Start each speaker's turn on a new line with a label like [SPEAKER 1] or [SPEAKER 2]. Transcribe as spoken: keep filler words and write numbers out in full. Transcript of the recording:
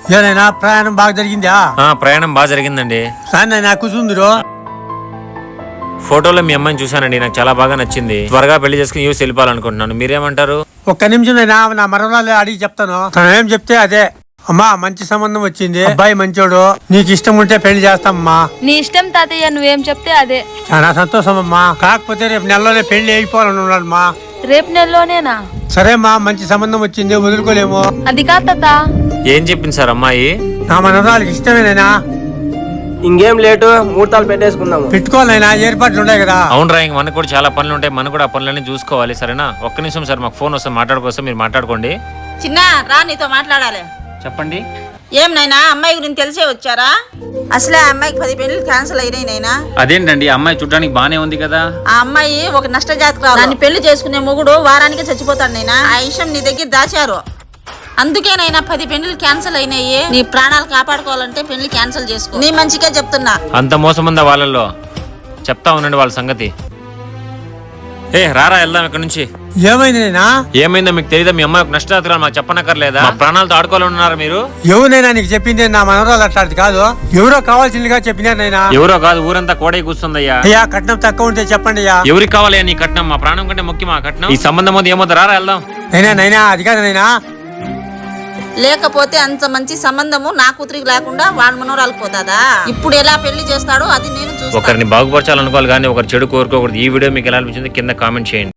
[SPEAKER 1] ఏనైనా ప్రయాణం బాగా జరిగిందా?
[SPEAKER 2] ఆ ప్రయాణం బాగా జరిగిందండి.
[SPEAKER 1] సార్ కూర్చుందిరో
[SPEAKER 2] ఫోటోలో మీ అమ్మాయిని చూసానండి, నాకు చాలా బాగా నచ్చింది. త్వరగా పెళ్లి చేసుకుని యూస్ వెళ్ళిపోవాలనుకుంటున్నాను. మీరేమంటారు?
[SPEAKER 1] ఒక్క నిమిషం అయినా నా మరణాలు అడిగి చెప్తాను. తను ఏం చెప్తే అదే. అమ్మా మంచి సంబంధం వచ్చింది, అబ్బాయి మంచోడు, నీకు ఇష్టం ఉంటే పెళ్లి చేస్తామమ్మా.
[SPEAKER 3] నీ ఇష్టం తాతయ్య, నువ్వేం చెప్తే అదే.
[SPEAKER 1] చాలా సంతోషం అమ్మా. కాకపోతే రేపు నెలలోనే పెళ్లి అయిపోవాలని ఉన్నాడమ్మా.
[SPEAKER 3] రేపు నెలలోనేనా?
[SPEAKER 1] సరేమ్మా, మంచి సంబంధం వచ్చింది, వదులుకోలేము.
[SPEAKER 3] అది కాదు తాత.
[SPEAKER 2] ఏం చెప్పింది సార్ అమ్మాయి?
[SPEAKER 1] నా మనవరాలకి ఇష్టమేనైనా.
[SPEAKER 4] ఇంకేం లేటు, ముహూర్తాలు పెట్టేసుకుందాము.
[SPEAKER 1] పెట్టుకోవాలైనా ఏర్పాట్లు ఉన్నాయి కదా.
[SPEAKER 2] అవునరా, ఇంక మనకు కూడా చాలా పనులు ఉంటాయి, మనం కూడా ఆ పనులన్నీ చూసుకోవాలి. సరేనా? ఒక్క నిమిషం సార్, మాకు ఫోన్ వస్తే మాట్లాడుకోసం, మీరు మాట్లాడుకోండి.
[SPEAKER 5] చిన్న రా, నీతో మాట్లాడాలి.
[SPEAKER 2] చెప్పండి.
[SPEAKER 5] ఏం నైనా, అమ్మాయి గురించి తెలిసే వచ్చారా? అసలే ఆ అమ్మాయికి పది పెళ్లి క్యాన్సిల్ అయినాయి నైనా.
[SPEAKER 2] అదేంటండి, అమ్మాయి చూడడానికి బానే ఉంది కదా.
[SPEAKER 5] ఆ అమ్మాయి ఒక నష్ట జాతకురాలు. దాన్ని పెళ్లి చేసుకునే మొగుడు వారానికి చచ్చిపోతాడు నైనా. ఆ విషయం నీ దగ్గర దాచారు, అందుకేనైనా పది పెళ్లిలు క్యాన్సిల్ అయినాయి. నీ ప్రాణాలు కాపాడుకోవాలంటే పెళ్లి క్యాన్సిల్ చేసుకో. నీ మంచిగా చెప్తున్నా.
[SPEAKER 2] అంత మోసం ఉందా వాళ్ళల్లో? చెప్తా ఉండండి వాళ్ళ సంగతి. ఏ రారా, వెళ్దాం ఇక్కడ నుంచి.
[SPEAKER 1] ఏమైంది నైనా?
[SPEAKER 2] ఏమైందో మీకు తెలియదా? మీ అమ్మాయి ఒక నష్టదాతరాలు మాకు చెప్పనక్కర్లేదా? మా ప్రాణాలతో ఆడుకోవాలన్నారు మీరు.
[SPEAKER 1] ఎవరైనా నీకు చెప్పింది నా మనవరాలు అట్లాంటి కాదు, ఎవరో కావాల్సిందిగా చెప్పినారైనా.
[SPEAKER 2] ఎవరో కాదు, ఊరంతా కోడై కూర్చుందయ్యా.
[SPEAKER 1] అయ్యా కట్నం తక్కువ ఉంటే చెప్పండి అయ్యా.
[SPEAKER 2] ఎవరికి కావాలయ్యా నీ కట్నం? మా ప్రాణం కంటే ముఖ్యమా కట్నం? ఈ సంబంధం వద్దు, ఏమవుతా రారా వెళ్దాం.
[SPEAKER 1] నైనా నైనా అది కాదు నైనా.
[SPEAKER 5] లేకపోతే అంత మంచి సంబంధము నా కూతురికి లేకుండా వాడు మనోరాలు పోతాదా? ఇప్పుడు ఎలా పెళ్లి చేస్తాడో అది నేను చూస్తాను.
[SPEAKER 2] ఒకరిని బాగుపరచాలనుకోవాలి కానీ ఒకరు చెడు కోరుకోకూడదు. ఈ వీడియో మీకు ఎలా అనిపించింది కింద కామెంట్ చేయండి.